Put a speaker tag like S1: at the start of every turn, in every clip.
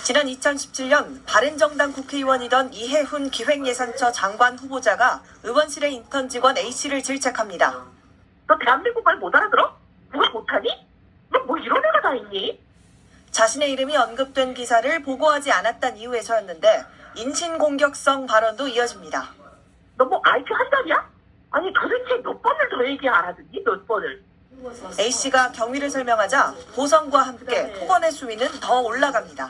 S1: 지난 2017년 바른정당 국회의원이던 이해훈 기획예산처 장관 후보자가 의원실의 인턴 직원 A씨를 질책합니다.
S2: 너 대한민국 말 못 알아들어? 그걸 못하니? 너 뭐 이런 애가 다 있니?
S1: 자신의 이름이 언급된 기사를 보고하지 않았단 이유에서였는데 인신공격성 발언도 이어집니다.
S2: 너 뭐 IQ 한 달이야? 아니 도대체 몇 번을 더 얘기 알아듣니? 몇 번을?
S1: A씨가 경위를 설명하자 보선과 함께 폭언의 수위는 더 올라갑니다.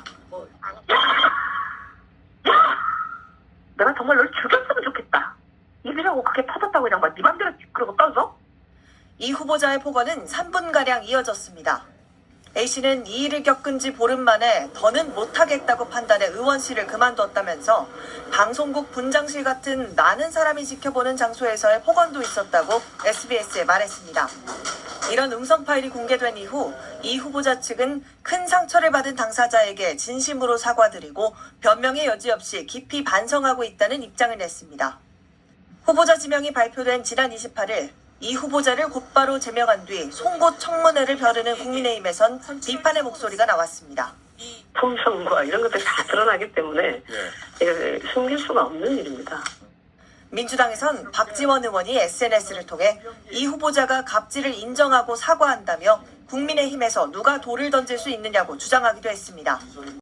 S2: 내가 정말 널 죽였으면 좋겠다. 입이라고 그게 터졌다고 그냥 막 네 맘대로 그러고 떠서?
S1: 이 후보자의 폭언은 3분가량 이어졌습니다. A씨는 이 일을 겪은 지 보름 만에 더는 못하겠다고 판단해 의원실을 그만뒀다면서 방송국 분장실 같은 많은 사람이 지켜보는 장소에서의 폭언도 있었다고 SBS에 말했습니다. 이런 음성 파일이 공개된 이후 이 후보자 측은 큰 상처를 받은 당사자에게 진심으로 사과드리고 변명의 여지 없이 깊이 반성하고 있다는 입장을 냈습니다. 후보자 지명이 발표된 지난 28일 이 후보자를 곧바로 제명한 뒤 송곳 청문회를 벼르는 국민의힘에선 비판의 목소리가 나왔습니다.
S2: 통성과 이런 것들이 다 드러나기 때문에 이걸 숨길 수가 없는 일입니다.
S1: 민주당에선 박지원 의원이 SNS를 통해 이 후보자가 갑질을 인정하고 사과한다며 국민의힘에서 누가 돌을 던질 수 있느냐고 주장하기도 했습니다.